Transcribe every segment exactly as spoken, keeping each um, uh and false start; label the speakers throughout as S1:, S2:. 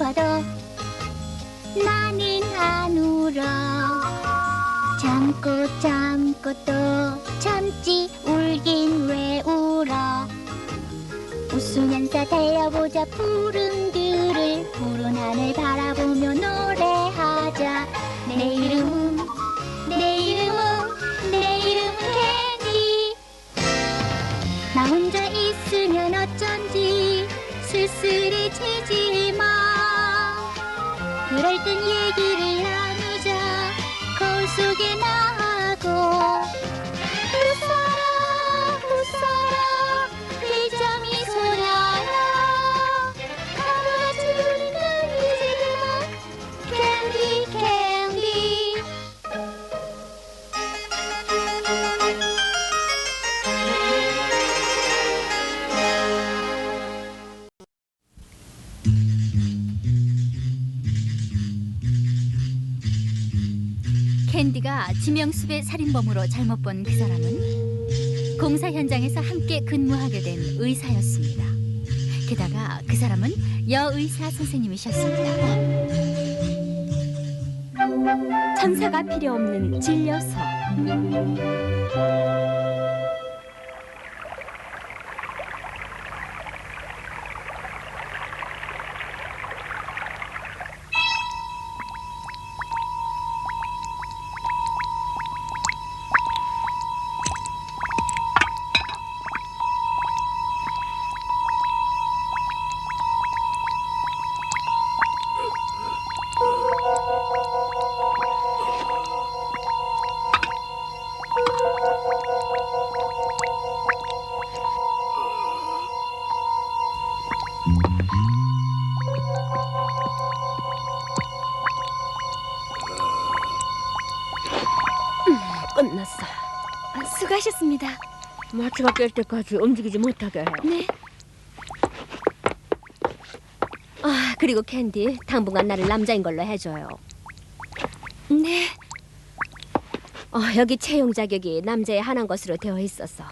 S1: 싶어도 나는 안 울어. 참고 참고 또 참지 울긴 왜 울어. 웃으면서 달려보자 푸른들을. 푸른 하늘 바라보며 노래하자. 내 이름은 내 이름은 내 이름은 캔디. 나 혼자 있으면 어쩐지 쓸쓸해지지 마. 그럴 땐 얘기를 나누자. 거울 속에 나하고 웃어라 웃어라 그 점이 소녀야. 하루같이 우린 이제 그만 캔디 캔디. 캔디가 지명수배 살인범으로 잘못 본 그 사람은 공사 현장에서 함께 근무하게 된 의사였습니다. 게다가 그 사람은 여의사 선생님이셨습니다. 천사가 필요 없는 진료소.
S2: 끝났어.
S1: 아, 수고하셨습니다.
S2: 마취가 깰 때까지 움직이지 못하게 해요.
S1: 네.
S2: 아, 그리고 캔디, 당분간 나를 남자인 걸로 해줘요.
S1: 네.
S2: 어, 여기 채용 자격이 남자의 한한 것으로 되어 있어서.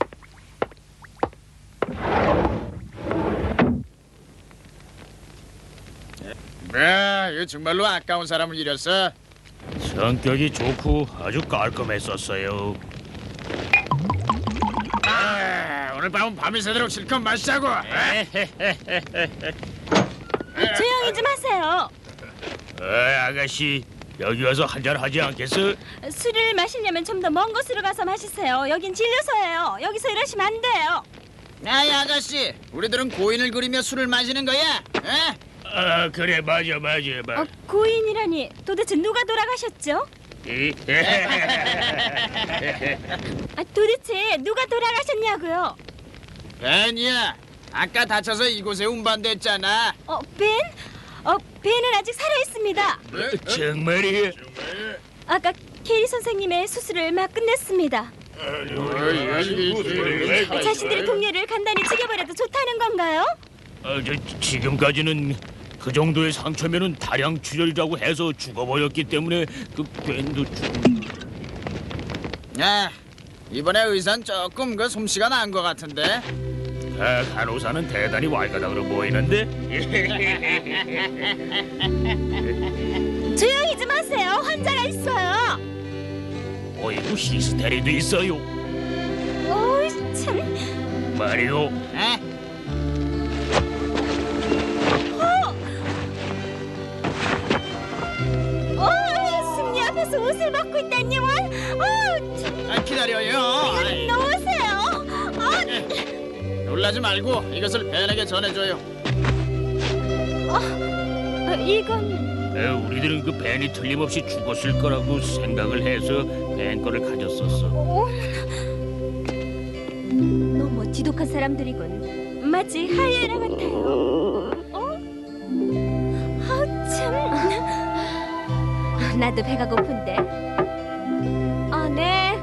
S3: 네, 이거 정말로 아까운 사람을 잃었어.
S4: 성격이 좋고 아주 깔끔했었어요.
S3: 아, 오늘 밤은 밤이 새도록 실컷 마시자고.
S1: 조용히 좀 하세요.
S4: 에이, 아가씨, 여기 와서 한잔 하지 않겠어?
S1: 술을 마시려면 좀 더 먼 곳으로 가서 마시세요. 여긴 진료소예요. 여기서 이러시면 안 돼요.
S3: 아이 아가씨, 우리들은 고인을 그리며 술을 마시는 거야. 에?
S4: 아, 그래, 맞아, 맞아, 맞아.
S1: 어, 고인이라니 도대체 누가 돌아가셨죠?
S4: 이?
S1: 아, 도대체 누가 돌아가셨냐고요?
S3: 벤이야, 아까 다쳐서 이곳에 운반됐잖아.
S1: 어, 벤? 어, 벤은 아직 살아있습니다.
S4: 정말이야?
S1: 아까 캐리 선생님의 수술을 막 끝냈습니다. 자신들의 동료를 간단히 죽여버려도 좋다는 건가요?
S4: 아, 저, 지금까지는 그 정도의 상처면은 다량 출혈이라고 해서 죽어버렸기 때문에 그 밴도 죽...
S3: 야, 이번에 의사는 조금 그 솜씨가 나은 것 같은데.
S4: 아, 간호사는 대단히 왈가닥으로 보이는데?
S1: 조용히 좀 하세요. 환자가 있어요.
S4: 어이구, 히스테리도 있어요.
S1: 오이 참.
S4: 말이요.
S3: 에?
S1: 어, 승리 앞에서 옷을 벗고 있다니 원. 어, 참.
S3: 아, 기다려요. 아이,
S1: 놓으세요. 어,
S3: 놀라지 말고 이것을 벤에게 전해줘요.
S1: 어, 이건
S4: 에, 우리들은 그 벤이 틀림없이 죽었을 거라고 생각을 해서 벤 거를 가졌었어.
S1: 어,
S2: 너무 지독한 사람들이군.
S1: 마치 하이에나 같아요. 어? 아우 참.
S2: 나도 배가 고픈데. 아, 네.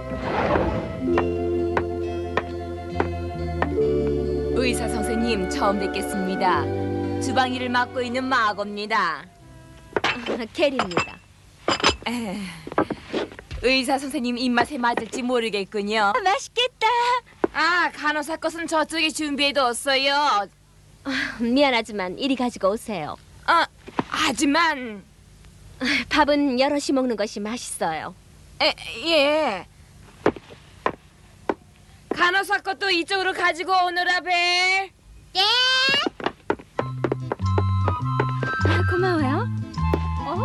S5: 의사 선생님 처음 뵙겠습니다. 주방 일을 맡고 있는 마고입니다.
S2: 캐리입니다.
S5: 에, 의사 선생님 입맛에 맞을지 모르겠군요.
S1: 맛있겠다.
S5: 아, 간호사 것은 저쪽에 준비해뒀어요.
S2: 아, 미안하지만 이리 가지고 오세요.
S5: 아, 하지만
S2: 밥은 여럿이 먹는 것이 맛있어요.
S5: 에, 예. 간호사 것도 이쪽으로 가지고 오너라 벨.
S1: 예.
S2: 아, 고마워요. 어?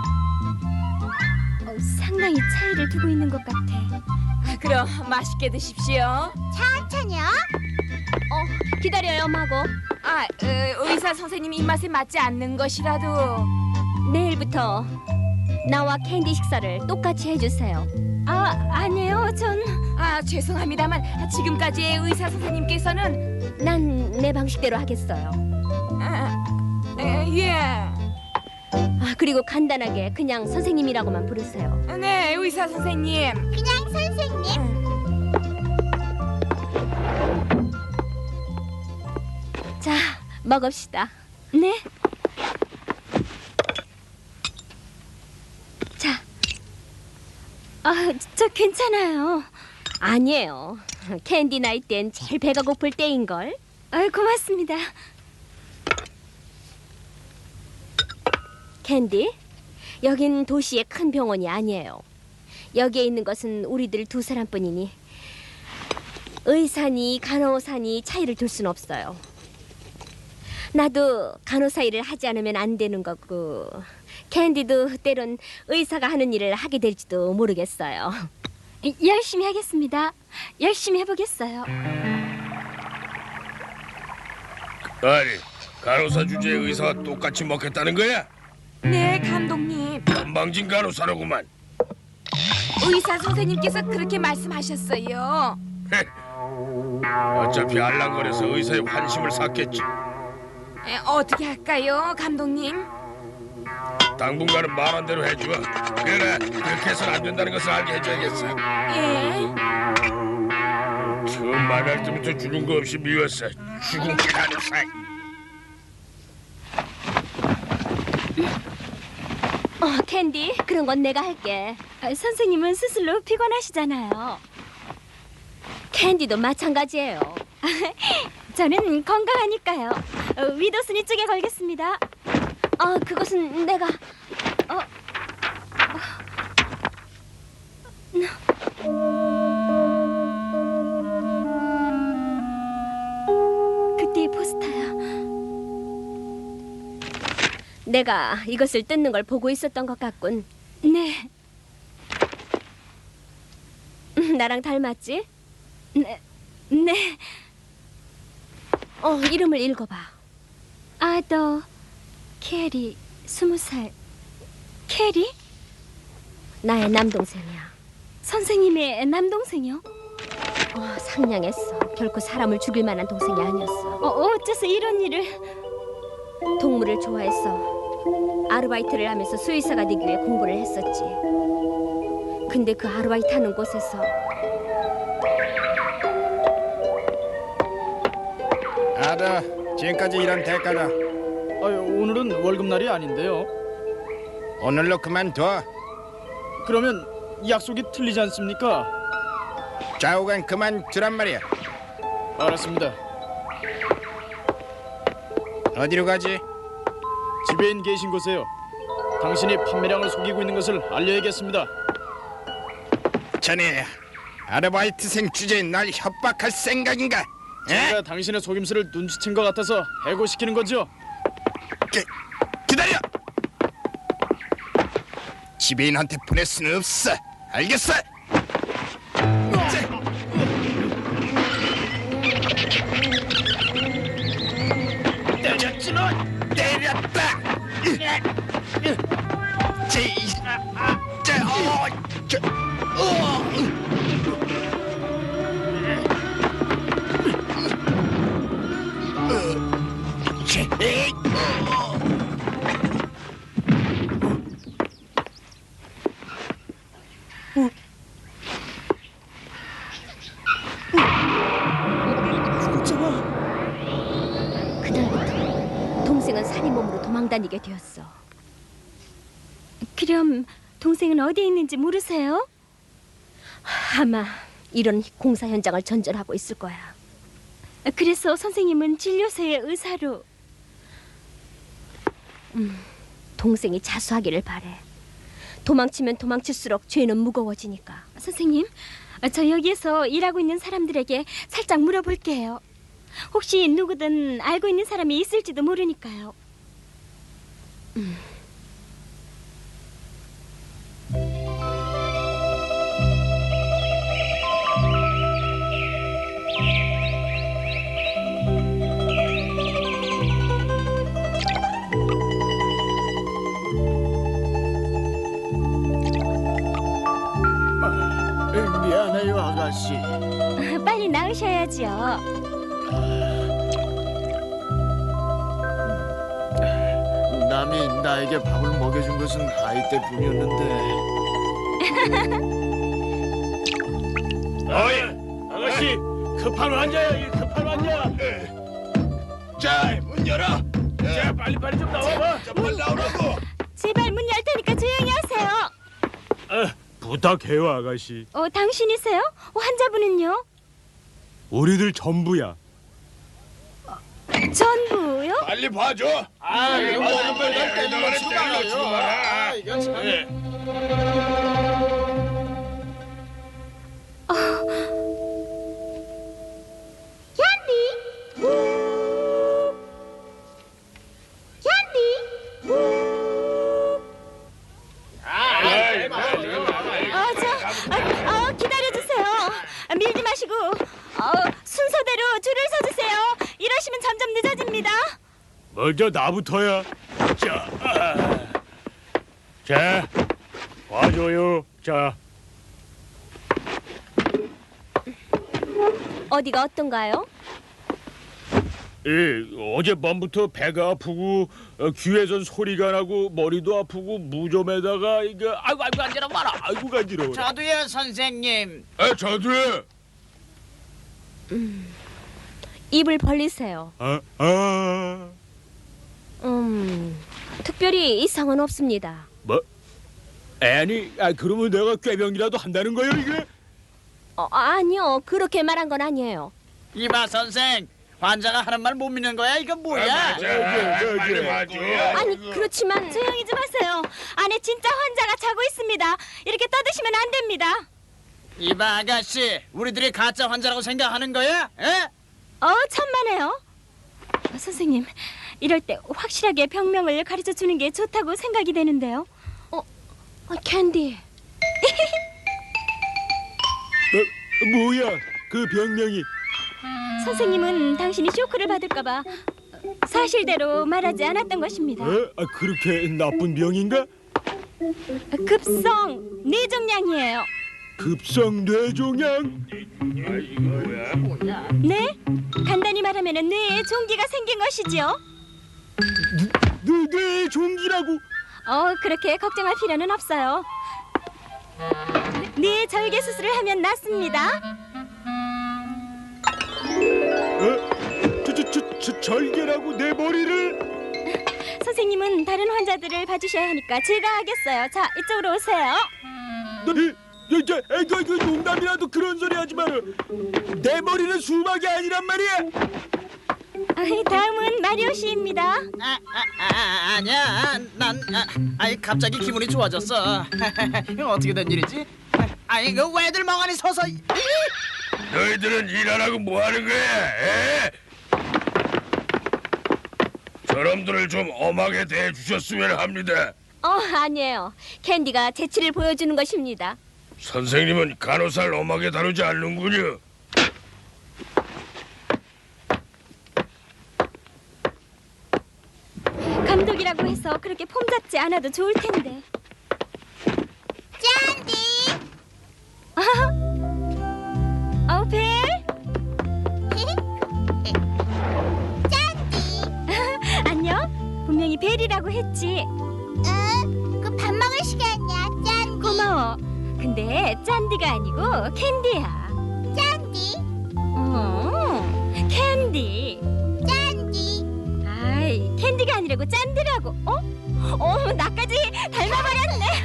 S2: 어, 상당히 차이를 두고 있는 것 같아.
S5: 아, 그럼 맛있게 드십시오.
S1: 천천히요.
S2: 어, 기다려요, 마고.
S5: 아, 어, 의사 선생님 입맛에 맞지 않는 것이라도.
S2: 내일부터 나와 캔디 식사를 똑같이 해주세요. 아, 아니에요. 전...
S5: 아, 죄송합니다만 지금까지의 의사 선생님께서는
S2: 난 내 방식대로 하겠어요.
S5: 아, 에, 예.
S2: 아, 그리고 간단하게 그냥 선생님이라고만 부르세요.
S5: 네, 의사 선생님.
S1: 그냥 선생님.
S2: 자, 먹읍시다. 네. 자. 아, 저 괜찮아요. 아니에요. 캔디 나이 땐 제일 배가 고플 때인걸. 아, 고맙습니다. 캔디, 여긴 도시의 큰 병원이 아니에요. 여기에 있는 것은 우리들 두 사람뿐이니 의사니 간호사니 차이를 둘 순 없어요. 나도 간호사 일을 하지 않으면 안 되는 거고 캔디도 때론 의사가 하는 일을 하게 될지도 모르겠어요. 열심히 하겠습니다. 열심히 해보겠어요.
S6: 아니, 간호사 주제에 의사와 똑같이 먹겠다는 거야?
S5: 네, 감독님.
S6: 건방진 간호사로구만.
S5: 의사 선생님께서 그렇게 말씀하셨어요.
S6: 어차피 알랑거려서 의사의 환심을 샀겠지.
S5: 에, 어떻게 할까요, 감독님?
S6: 당분간은 말한 대로 해줘. 그러나 그렇게 해서는 안 된다는 것을 알게 해줘야겠어.
S5: 예.
S6: 처음 말할 때부터 주는 거 없이 미웠어. 죽은 간호사.
S2: 어, 캔디, 그런 건 내가 할게. 아, 선생님은 스스로 피곤하시잖아요. 캔디도 마찬가지예요. 저는 건강하니까요. 어, 위도순이 쪽에 걸겠습니다. 어, 그것은 내가... 어... 어... 그때의 포스터야. 내가 이것을 뜯는 걸 보고 있었던 것 같군. 네. 음, 나랑 닮았지? 네. 네. 어, 이름을 읽어봐. 아더 캐리, 스무 살. 캐리? 나의 남동생이야. 선생님의 남동생이요? 어, 상냥했어. 결코 사람을 죽일 만한 동생이 아니었어. 어, 어째서 이런 일을... 동물을 좋아했어. 아르바이트를 하면서 수의사가 되기 위해 공부를 했었지. 근데 그 아르바이트 하는 곳에서
S7: 아다, 지금까지 일한 대가다.
S3: 아유, 오늘은 월급날이 아닌데요.
S7: 오늘로 그만둬.
S3: 그러면 약속이 틀리지 않습니까?
S7: 좌우간 그만두란 말이야.
S3: 알았습니다.
S7: 어디로 가지?
S3: 지배인 계신 곳에요. 당신이 판매량을 속이고 있는 것을 알려야겠습니다.
S7: 자네 아르바이트생 주제에 날 협박할 생각인가? 에?
S3: 제가 당신의 속임수를 눈치챈 것 같아서 해고시키는 거죠.
S7: 기, 기다려! 지배인한테 보낼 수는 없어. 알겠어?
S3: 때렸지 너!
S7: 때렸다! 제, 제, 어, 저, 어. 제, 에이, 어.
S2: 그날부터 동생은 살인범으로 도망다니게 되었어. 그럼 동생은 어디에 있는지 모르세요? 아마 이런 공사 현장을 전전하고 있을 거야. 그래서 선생님은 진료소의 의사로... 동생이 자수하기를 바래. 도망치면 도망칠수록 죄는 무거워지니까. 선생님, 저 여기에서 일하고 있는 사람들에게 살짝 물어볼게요. 혹시 누구든 알고 있는 사람이 있을지도 모르니까요. 음.
S3: 미안해요, 아가씨.
S2: 빨리 나으셔야지요.
S3: 남이 나에게 밥을 먹여준 것은 아이 때뿐이었는데.
S4: 어이, 아가씨, 급한 환자야, 이 급한 환자.
S6: 자, 문 열어.
S4: 자, 빨리 빨리 좀 나와봐.
S6: 자, 빨리 나오라고.
S2: 제발 문 열 테니까 조용히 하세요.
S4: 아, 부탁해요, 아가씨.
S2: 어, 당신이세요? 어, 환자분은요?
S4: 우리들 전부야.
S2: 전부요?
S6: 빨리 봐줘.
S3: 아, 이거
S6: 빨리,
S3: 먹는
S6: 빨리,
S3: 날
S6: 빨리,
S3: 때문에
S6: 빨리,
S3: 치고
S6: 빨리,
S3: 말아요.
S6: 빨리,
S3: 아, 이거 참.
S4: 예.
S2: 어, 저, 어, 어, 기다려주세요. 아, 밀지 마시고 어, 순서대로 줄을 서주세요. 이러시면 점점 늦어집니다.
S4: 먼저 나부터야. 자, 아. 자, 봐줘요. 자,
S2: 어디가 어떤가요?
S4: 예, 어젯밤부터 배가 아프고 어, 귀에선 소리가 나고 머리도 아프고 무좀에다가 이거 아이고 아이고 간지러 봐라. 아이고 간지러워.
S3: 저도요, 선생님.
S6: 에, 저도요.
S2: 입을 벌리세요.
S4: 아, 아,
S2: 음, 특별히 이상은 없습니다.
S4: 뭐? 아니, 아 그러면 내가 꾀병이라도 한다는 거예요 이게?
S2: 어, 아니요, 그렇게 말한 건 아니에요.
S3: 이봐, 선생. 환자가 하는 말 못 믿는 거야? 이거
S6: 아,
S3: 뭐야?
S6: 맞아. 아, 빨리 봐줘.
S2: 아니, 그렇지만 조용히 좀 하세요. 안에 진짜 환자가 자고 있습니다. 이렇게 떠드시면 안 됩니다.
S3: 이봐, 아가씨. 우리들이 가짜 환자라고 생각하는 거야? 에?
S2: 어, 천만에요. 어, 선생님, 이럴 때 확실하게 병명을 가르쳐 주는 게 좋다고 생각이 되는데요. 어, 어 캔디.
S4: 어, 뭐야? 그 병명이?
S2: 선생님은 당신이 쇼크를 받을까봐 사실대로 말하지 않았던 것입니다.
S4: 어? 아, 그렇게 나쁜 병인가?
S2: 급성 뇌종양이에요.
S4: 급성 뇌종양?
S2: 네? 간단히 말하면 뇌에 종기가 생긴 것이지요.
S4: 뇌, 뇌종기라고?
S2: 어, 그렇게 걱정할 필요는 없어요. 뇌 절개 수술을 하면 낫습니다.
S4: 어? 저, 저, 저, 저 절개라고 내 머리를?
S2: 선생님은 다른 환자들을 봐주셔야 하니까 제가 하겠어요. 자, 이쪽으로 오세요.
S4: 너, 이, 이, 저, 에, 그, 그 농담이라도 그런 소리 하지 마라. 내 머리는 수박이 아니란 말이야.
S2: 아, 다음은 마리오 씨입니다.
S3: 아, 아, 아, 아니야. 난 아, 아이 갑자기 기분이 좋아졌어. 이거 어떻게 된 일이지? 아이 그 왜들 멍하니 서서 이-
S6: 너희들은 일 안 하고 뭐 하는 거야? 에? 저놈들을 좀 엄하게 대해주셨으면 합니다.
S2: 어, 아니에요. 캔디가 재치를 보여주는 것입니다.
S6: 선생님은 간호사를 엄하게 다루지 않는군요.
S2: 감독이라고 해서 그렇게 폼 잡지 않아도 좋을 텐데. 짠디. 어, 벨. 짠디. 안녕. 분명히 벨이라고 했지.
S8: 응, 그 밥 먹을 시간이야, 짠디.
S2: 고마워. 근데 짠디가 아니고 캔디야.
S8: 짠디,
S2: 어, 캔디.
S8: 짠디.
S2: 아이, 캔디가 아니라고 짠디라고. 어? 어, 나까지 닮아버렸네.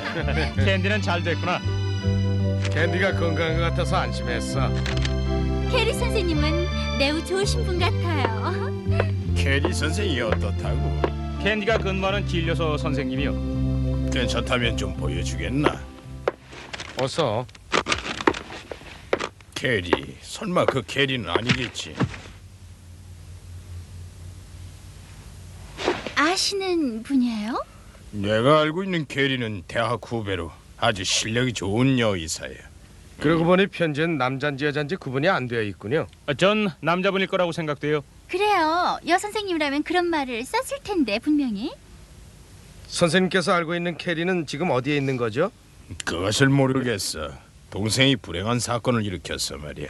S7: 캔디는 잘 됐구나. 캔디가 건강한 것 같아서 안심했어.
S1: 캐리 선생님은 매우 좋으신 분 같아요.
S7: 캐리 선생이 어떻다고?
S4: 캔디가 근무하는 진료소 선생님이요.
S7: 괜찮다면 좀 보여주겠나?
S6: 어서.
S7: 캐리, 설마 그 캐리는 아니겠지?
S1: 아시는 분이에요?
S7: 내가 알고 있는 캐리는 대학 후배로 아주 실력이 좋은 여의사야.
S6: 그러고 보니 편지엔 남잔지 여잔지 구분이 안 되어 있군요.
S4: 아, 전 남자분일 거라고 생각돼요.
S1: 그래요. 여 선생님이라면 그런 말을 썼을 텐데 분명히.
S6: 선생님께서 알고 있는 캐리는 지금 어디에 있는 거죠?
S7: 그것을 모르겠어. 동생이 불행한 사건을 일으켰어 말이야.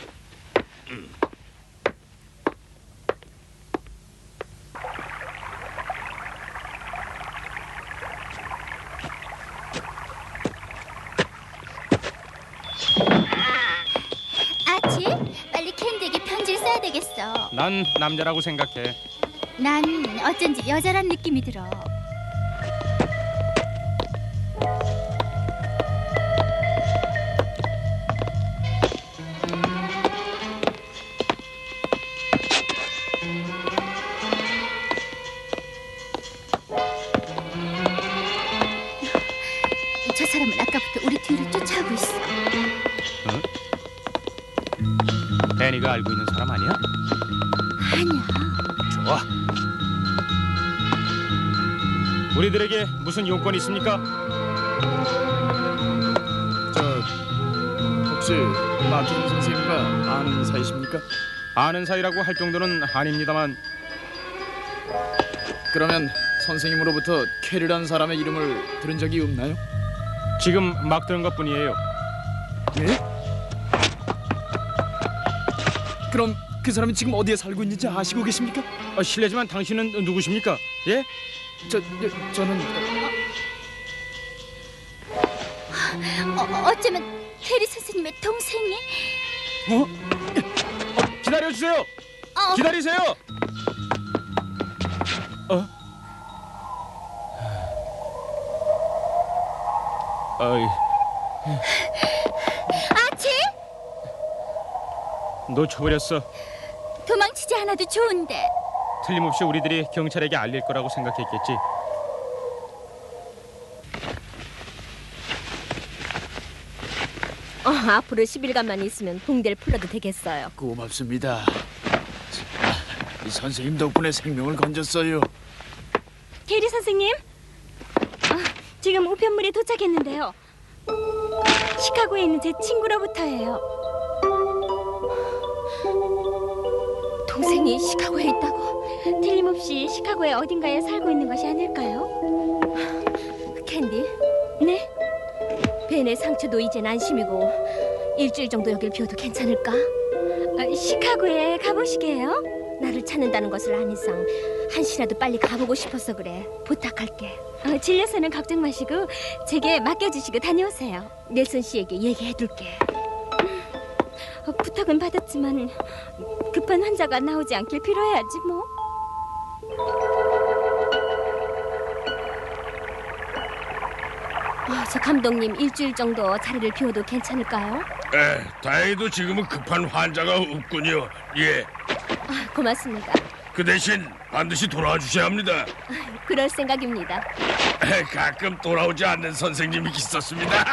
S1: 아치, 빨리 캔디에게 편지를 써야 되겠어.
S4: 난 남자라고 생각해.
S1: 난 어쩐지 여자란 느낌이 들어. 저 사람은 아까부터 우리 뒤를 쫓아오고 있어.
S4: 댄이가 알고 있는 사람 아니야?
S1: 아니야.
S4: 좋아. 우리들에게 무슨 용건이 있습니까?
S3: 저 혹시 마틴 선생님과 아는 사이십니까?
S4: 아는 사이라고 할 정도는 아닙니다만.
S3: 그러면 선생님으로부터 캐리라는 사람의 이름을 들은 적이 없나요?
S4: 지금 막 들은 것뿐이에요.
S3: 예? 그럼 그 사람이 지금 어디에 살고 있는지 아시고 계십니까?
S4: 아, 실례지만 당신은 누구십니까? 예?
S3: 저, 저 저는
S1: 어, 어쩌면 캐리 선생님의 동생이?
S4: 어? 어, 기다려주세요.
S1: 어,
S4: 기다리세요. 어? 어이,
S1: 아치?
S4: 놓쳐버렸어.
S1: 도망치지 않아도 좋은데.
S4: 틀림없이 우리들이 경찰에게 알릴 거라고 생각했겠지.
S2: 어, 앞으로 십 일간만 있으면 봉대를 풀어도 되겠어요.
S3: 고맙습니다. 이 선생님 덕분에 생명을 건졌어요.
S2: 캐리 선생님, 아, 지금 우편물이 도착했는데요. 시카고에 있는 제 친구로부터예요. 동생이 시카고에 있다고? 틀림없이 시카고의 어딘가에 살고 있는 것이 아닐까요? 캔디? 네? 벤의 상처도 이젠 안심이고 일주일 정도 여길 비워도 괜찮을까? 아, 시카고에 가보시게요? 나를 찾는다는 것을 안 이상 한시라도 빨리 가보고 싶어서 그래. 부탁할게. 어, 질려서는 걱정 마시고 제게 맡겨주시고 다녀오세요. 넬슨 씨에게 얘기해둘게. 음, 어, 부탁은 받았지만 급한 환자가 나오지 않길 빌어야지 뭐. 어, 저 감독님 일주일 정도 자리를 비워도 괜찮을까요?
S6: 에, 다행히도 지금은 급한 환자가 없군요. 예,
S2: 아, 고맙습니다.
S6: 그 대신 반드시 돌아와 주셔야 합니다.
S2: 그럴 생각입니다.
S6: 에, 가끔 돌아오지 않는 선생님이 있었습니다.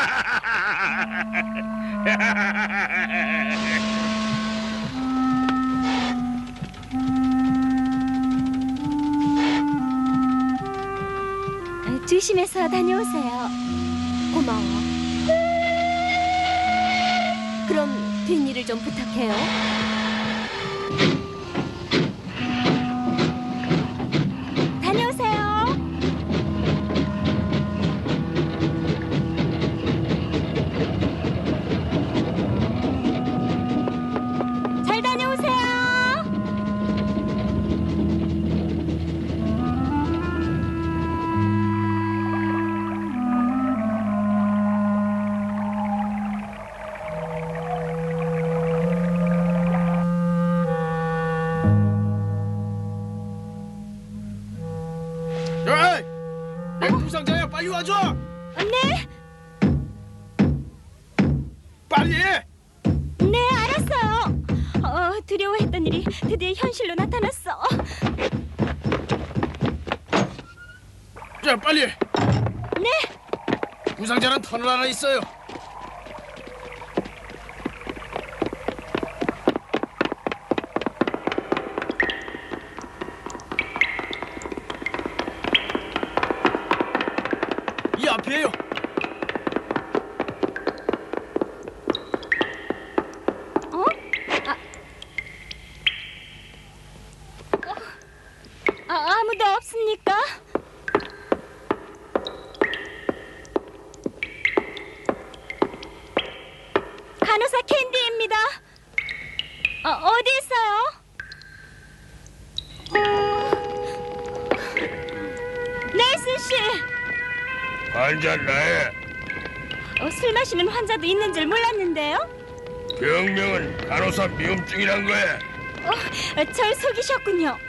S2: 아, 조심해서 다녀오세요. 고마워. 그럼 뒷일을 좀 부탁해요. 다녀오세요. 잘 다녀오세요.
S3: 에이! 내 부상자야, 빨리 와줘!
S2: 네,
S3: 빨리!
S2: 네, 알았어요. 두려워했던 일이 드디어 현실로 나타났어.
S3: 자, 빨리.
S2: 네.
S3: 부상자는 터널 하나 있어요. 이 앞이에요.
S2: 어? 아, 아 아무도 없습니까? 간호사 캔디입니다. 어, 어디 있어요? 넬슨 씨,
S6: 환자 나야.
S2: 어, 술 마시는 환자도 있는 줄 몰랐는데요.
S6: 병명은 간호사 미움증이란 거야.
S2: 어, 절 속이셨군요.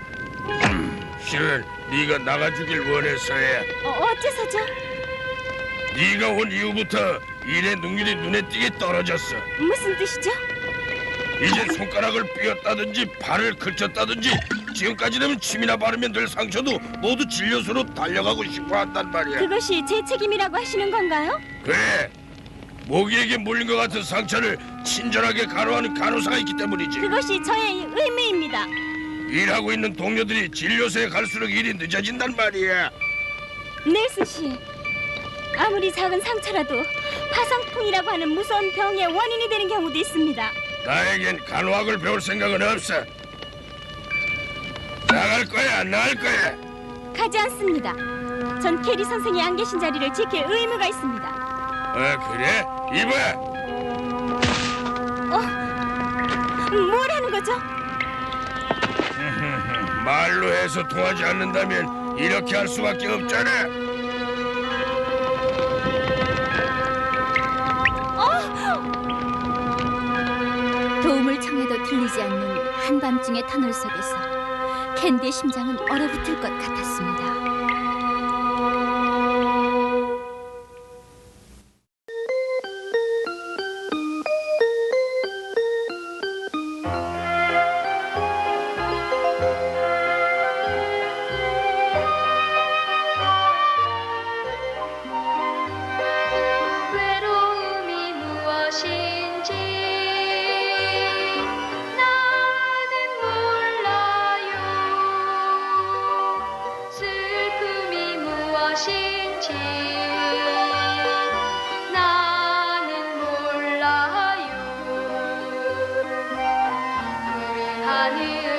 S6: 실은 네가 나가주길 원해서야.
S2: 어, 어째서죠?
S6: 네가 온 이후부터 일의 능률이 눈에 띄게 떨어졌어.
S2: 무슨 뜻이죠?
S6: 이제 손가락을 삐었다든지 발을 긁혔다든지 지금까지라면 침이나 바르면 될 상처도 모두 진료소로 달려가고 싶어 한단 말이야.
S2: 그것이 제 책임이라고 하시는 건가요?
S6: 그래. 모기에게 물린 것 같은 상처를 친절하게 간호하는 간호사가 있기 때문이지.
S2: 그것이 저의 의무입니다.
S6: 일하고 있는 동료들이 진료소에 갈수록 일이 늦어진단 말이야.
S2: 넬슨 씨, 아무리 작은 상처라도 파상풍이라고 하는 무서운 병의 원인이 되는 경우도 있습니다.
S6: 나에겐 간호학을 배울 생각은 없어. 나갈 거야, 안 나갈 거야?
S2: 가지 않습니다. 전 캐리 선생이 안 계신 자리를 지킬 의무가 있습니다.
S6: 어, 그래? 이봐.
S2: 어? 뭘 하는 거죠?
S6: 말로 해서 통하지 않는다면 이렇게 할 수밖에 없잖아.
S1: 도움을 청해도 들리지 않는 한밤중의 터널 속에서 캔디의 심장은 얼어붙을 것 같았습니다.
S9: 외로움이 무엇인지 나는 몰라요. 슬픔이 무엇인지 나는 몰라요. 푸른 하늘